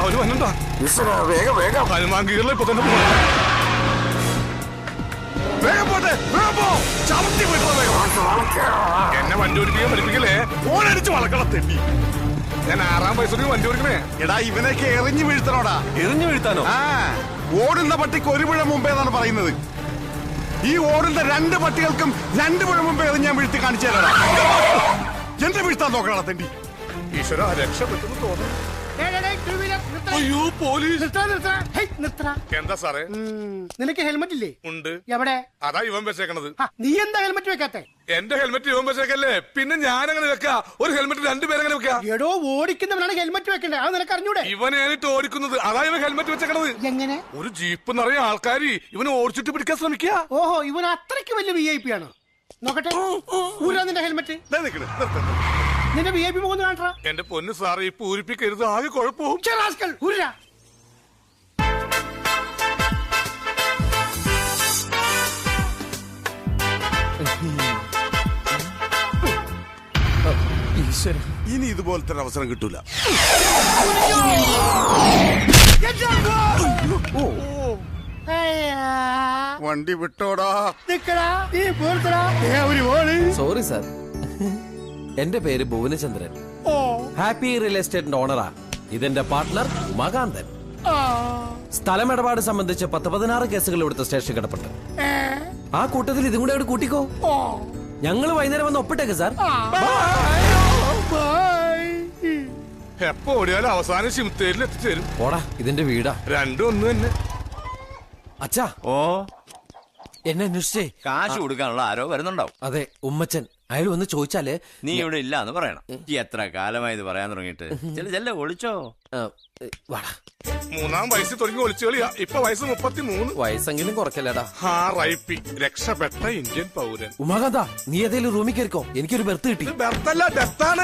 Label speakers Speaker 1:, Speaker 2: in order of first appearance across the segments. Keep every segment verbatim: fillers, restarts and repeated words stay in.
Speaker 1: അവര് വന്നിട്ടാ
Speaker 2: വേഗം വേഗം
Speaker 1: ഹനുമാൻ കീറിൽ ഇപ്പൊ തന്നെ പോകണം. വേഗം പോട്ടെ, വേഗം പോ. ചവിട്ടി പോയിട്ട് വേഗം. എന്നെ വണ്ടി ഓടിപ്പിക്കാൻ പഠിപ്പിക്കലേ, ഫോണടിച്ച് വളക്കണം തെറ്റി. ഞാൻ ആറാം വയസ്സിൽ വണ്ടി ഓടിക്കണേ.
Speaker 2: എടാ ഇവനൊക്കെ എറിഞ്ഞു വീഴ്ത്തണോടാ.
Speaker 1: എറിഞ്ഞു വീഴ്ത്താനോ?
Speaker 2: ആ ഓടുന്ന പട്ടിക്ക് ഒരു പുഴ മുമ്പേ എന്നാണ് പറയുന്നത്. ഈ ഓടുന്ന രണ്ട് പട്ടികൾക്കും രണ്ട് പുഴ മുമ്പേ എറിഞ്ഞ് ഞാൻ വീഴ്ത്തി കാണിച്ചു തരാടാ. എന്റെ വീഴ്ത്താൻ നോക്കണ തെണ്ടി.
Speaker 1: ഈശ്വര രക്ഷപ്പെട്ടെന്ന് തോന്നുന്നു. അയ്യോ പോലീസ്. എന്താ സാറേ?
Speaker 3: നിനക്ക് ഹെൽമെറ്റ് ഇല്ലേ?
Speaker 1: ഉണ്ട്.
Speaker 3: എവിടെ?
Speaker 1: അതാ ഇവൻ വെച്ചേക്കണത്.
Speaker 3: നീ എന്താ ഹെൽമെറ്റ് വെക്കാത്തെ?
Speaker 1: എന്റെ ഹെൽമെറ്റ് ഇവൻ വെച്ചേക്കല്ലേ, പിന്നെ ഞാൻ അങ്ങനെ വെക്കാ? ഒരു ഹെൽമെറ്റ് രണ്ടുപേരെങ്ങനെ വെക്കാ?
Speaker 3: എടോ ഓടിക്കുന്നവനാണ് ഹെൽമെറ്റ് വെക്കണ്ടേ, അത് നിനക്ക് അറിഞ്ഞൂടെ?
Speaker 1: ഇവനായിട്ട് ഓടിക്കുന്നത്, അതാ ഇവൻ ഹെൽമെറ്റ് വെച്ചേക്കണത്.
Speaker 3: എങ്ങനെ?
Speaker 1: ഒരു ജീപ്പ് നിറയെ ആൾക്കാര് ഇവനെ ഓടിച്ചിട്ട് പിടിക്കാൻ ശ്രമിക്കുക.
Speaker 3: ഓഹോ, ഇവൻ അത്രയ്ക്ക് വലിയ വി ഐ പി ആണ്. നോക്കട്ടെ, ഊരാ നിന്റെ ഹെൽമെറ്റ്. നിന്റെ വി ഐ പി മുഖം കാണാ.
Speaker 1: എന്റെ പൊന്ന് സാറ് ഈ പൂരിപ്പിക്കരുത്, ആകെ കുഴപ്പവും.
Speaker 3: ഊരാ.
Speaker 2: ഇനി ഇതുപോലത്തെ ഒരു അവസരം കിട്ടൂല. വണ്ടി വിട്ടോടാ.
Speaker 4: സോറി സാർ, എന്റെ പേര് ഭുവനചന്ദ്രൻ. ഹാപ്പി റിയൽ എസ്റ്റേറ്റിന്റെ ഓണറാ. ഇതെന്റെ പാർട്ട്ണർ ഉമാകാന്തൻ. സ്ഥലമിടപാട് സംബന്ധിച്ച് പത്ത് പതിനാറ് കേസുകൾ ഇവിടുത്തെ സ്റ്റേഷൻ കിടപ്പുണ്ട്. ആ കൂട്ടത്തിൽ ഇതും കൂടെ അവിടെ കൂട്ടിക്കോ. ഞങ്ങൾ വൈകുന്നേരം വന്ന് ഒപ്പിട്ടേക്ക് സാർ.
Speaker 1: എപ്പോ ഓടിയാലും അവസാനം ശിവത്തേരിൽ എത്തിച്ചേരും.
Speaker 4: ഓടാ, ഇതിന്റെ വീടാ.
Speaker 1: രണ്ടും ഒന്ന് തന്നെ.
Speaker 4: അച്ഛാ,
Speaker 5: ഓ
Speaker 4: എന്നെ അന്വേഷിച്ചേ
Speaker 5: കാശ് കൊടുക്കാനുള്ള ആരോ വരുന്നുണ്ടാവും.
Speaker 4: അതെ, ഉമ്മച്ചൻ. അയാൾ വന്ന് ചോദിച്ചാല്
Speaker 5: നീ ഇവിടെ ഇല്ല എന്ന് പറയണം. ഈ എത്ര കാലമായി ഇത് പറയാൻ തുടങ്ങിയിട്ട്. ചെല്ല ചെല്ല ഒളിച്ചോ.
Speaker 4: വാടാ.
Speaker 1: മൂന്നാം വയസ്സിൽ തുടങ്ങി ഒളിച്ചു കളിയാ. ഇപ്പൊ വയസ്സ് മുപ്പത്തി മൂന്ന്.
Speaker 4: വയസ്സെങ്കിലും കുറക്കല്ലടാ.
Speaker 1: ഹാ റൈപ്പി, രക്ഷപ്പെട്ട ഇന്ത്യൻ പൗരൻ.
Speaker 4: ഉമാകാന്ത, നീ ഏതെങ്കിലും റൂമിൽ കയറിക്കോ. എനിക്കൊരു ബെർത്ത് കിട്ടി.
Speaker 1: ബെർത്തല്ല, ഡെത്താണ്.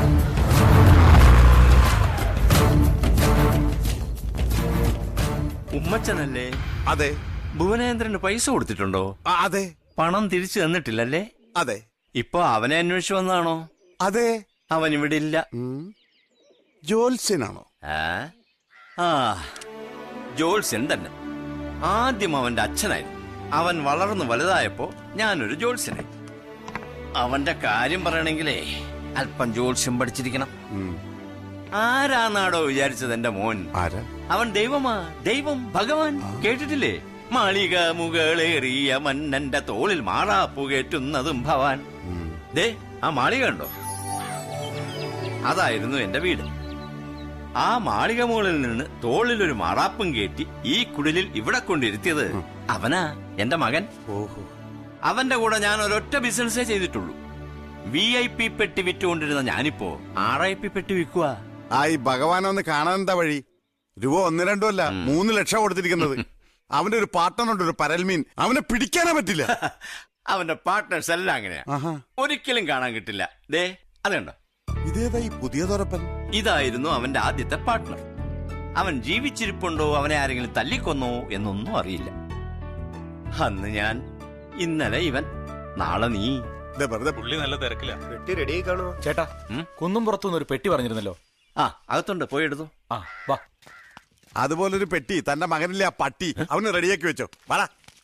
Speaker 5: ഉമ്മച്ചനല്ലേ?
Speaker 2: അതെ.
Speaker 5: ഭുവനേന്ദ്രന് പൈസ കൊടുത്തിട്ടുണ്ടോ?
Speaker 2: അതെ.
Speaker 5: പണം തിരിച്ചു തന്നിട്ടില്ലല്ലേ?
Speaker 2: അതെ.
Speaker 5: ഇപ്പൊ അവനെ അന്വേഷിച്ചു വന്നാണോ?
Speaker 2: അതെ.
Speaker 5: അവൻ ഇവിടെ ഇല്ല.
Speaker 2: ജോത്സ്യനാണോ?
Speaker 5: ആ ജോത്സ്യൻ തന്നെ. ആദ്യം അവന്റെ അച്ഛനായിരുന്നു. അവൻ വളർന്നു വലുതായപ്പോ ഞാനൊരു ജോത്സ്യനായി. അവന്റെ കാര്യം പറയണെങ്കിലേ അല്പം ജോത്സ്യം പഠിച്ചിരിക്കണം. ആരാന്നാടോ വിചാരിച്ചത് എന്റെ മോൻ?
Speaker 2: ആരാ?
Speaker 5: അവൻ ദൈവമാ. ദൈവം, ഭഗവാൻ. കേട്ടിട്ടില്ലേ? മാളിക മുകളേറിയ മന്നന്റെ തോളിൽ മാറാപ്പു കയറ്റുന്നതും ഭവാൻ. ദേ ആ മാളിക ഉണ്ടോ? അതായിരുന്നു എന്റെ വീട്. ആ മാളിക മുകളിൽ നിന്ന് തോളിലൊരു മാറാപ്പും കയറ്റി ഈ കുടിലിൽ ഇവിടെ കൊണ്ടിരുത്തിയത് അവനാ, എന്റെ മകൻ.
Speaker 2: ഓഹോ.
Speaker 5: അവന്റെ കൂടെ ഞാൻ ഒരൊറ്റ ബിസിനസ്സേ ചെയ്തിട്ടുള്ളൂ. വി ഐ പി പെട്ടി വിറ്റുകൊണ്ടിരുന്ന ഞാനിപ്പോ ആർ ഐ പി പെട്ടി വിൽക്കുക.
Speaker 2: ആ ഈ ഭഗവാനെ ഒന്ന് കാണാൻ എന്താ വഴി? രൂപ ഒന്ന് രണ്ടും അല്ല, മൂന്ന് ലക്ഷം കൊടുത്തിരിക്കുന്നത്. അവന്റെ ഒരു പാർട്ട്ണറുണ്ട്, ഒരു പരൽമീൻ. അവനെ പിടിക്കാനേ പറ്റില്ല.
Speaker 5: അവന്റെ പാർട്ട്നേഴ്സ് എല്ലാം അങ്ങനെയാ. ഒരിക്കലും കാണാൻ കിട്ടില്ല. ദേ അതുണ്ടോ?
Speaker 2: ഇതേതാ ഈ പുതിയ തുറപ്പൻ?
Speaker 5: ഇതായിരുന്നു അവന്റെ ആദ്യത്തെ പാർട്ട്ണർ. അവൻ ജീവിച്ചിരിപ്പുണ്ടോ, അവനെ ആരെങ്കിലും തല്ലിക്കൊന്നോ എന്നൊന്നും അറിയില്ല. അന്ന് ഞാൻ, ഇന്നലെ ഇവൻ, നാളെ നീ.
Speaker 1: പുള്ളി നല്ല തിരക്കില്ല.
Speaker 6: പെട്ടി റെഡി ആയി കാണുമോ?
Speaker 7: ചേട്ടാ, കുന്നും പുറത്തുനിന്ന് ഒരു പെട്ടി പറഞ്ഞിരുന്നല്ലോ.
Speaker 5: ആ അകത്തുണ്ട്, പോയി എടുത്തു.
Speaker 7: ആ വാ.
Speaker 2: അതുപോലൊരു പെട്ടി തന്റെ മകനില്ലേ ആ പട്ടി, അവന് റെഡിയാക്കി വെച്ചോ. വാടാ.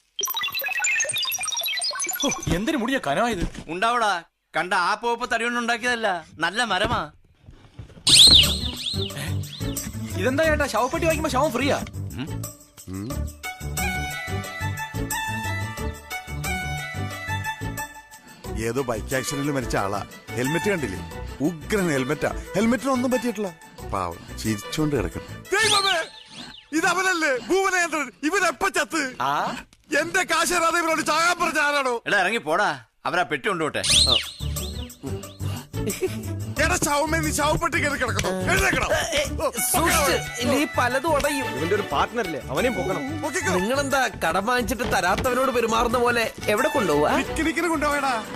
Speaker 7: എന്തിനു മുടിയ കനമായത്?
Speaker 5: ഉണ്ടാവടാ. കണ്ട ആ പോപ്പ് തടികൊണ്ടുണ്ടാക്കിയതല്ല, നല്ല മരമാ.
Speaker 7: ഇതെന്താ ചേട്ടാ, ശവപ്പെട്ടി വാങ്ങിക്കുമ്പോ ശവം ഫ്രീയാ?
Speaker 2: ഏതോ ബൈക്ക് ആക്സിഡന്റിൽ മരിച്ച ആളാ. ഹെൽമെറ്റ് കണ്ടില്ലേ? ഉഗ്രൻ ഹെൽമെറ്റാ. ഹെൽമെറ്റിനൊന്നും പറ്റിയിട്ടില്ല. പാവം ചിരിച്ചോണ്ട് കിടക്കണം. ഇതവനല്ലേ ഭുവനേന്ദ്രൻ? ഇവനെപ്പ ചത്ത്? എന്റെ കാശരാതെ ഇവനോട് ചാകാൻ പറഞ്ഞ ആരാണോ?
Speaker 5: എടാ ഇറങ്ങി പോടാ, അവരാ പെട്ടി കൊണ്ടുപോട്ടെ.
Speaker 2: എടാ ശവമേ, നീ ശവപ്പെട്ടി കയറി കിടക്കണോ? എഴുന്നേക്കണം.
Speaker 4: പലതും ഉടയും.
Speaker 6: ഇവന്റെ ഒരു പാർട്ട്ണറില്ലേ, അവനെയും പോകണം.
Speaker 4: നിങ്ങളെന്താ കടം വാങ്ങിച്ചിട്ട് തരാത്തവനോട് പെരുമാറുന്ന പോലെ എവിടെ കൊണ്ടുപോവാ?
Speaker 2: കൊണ്ടുപോയടാ.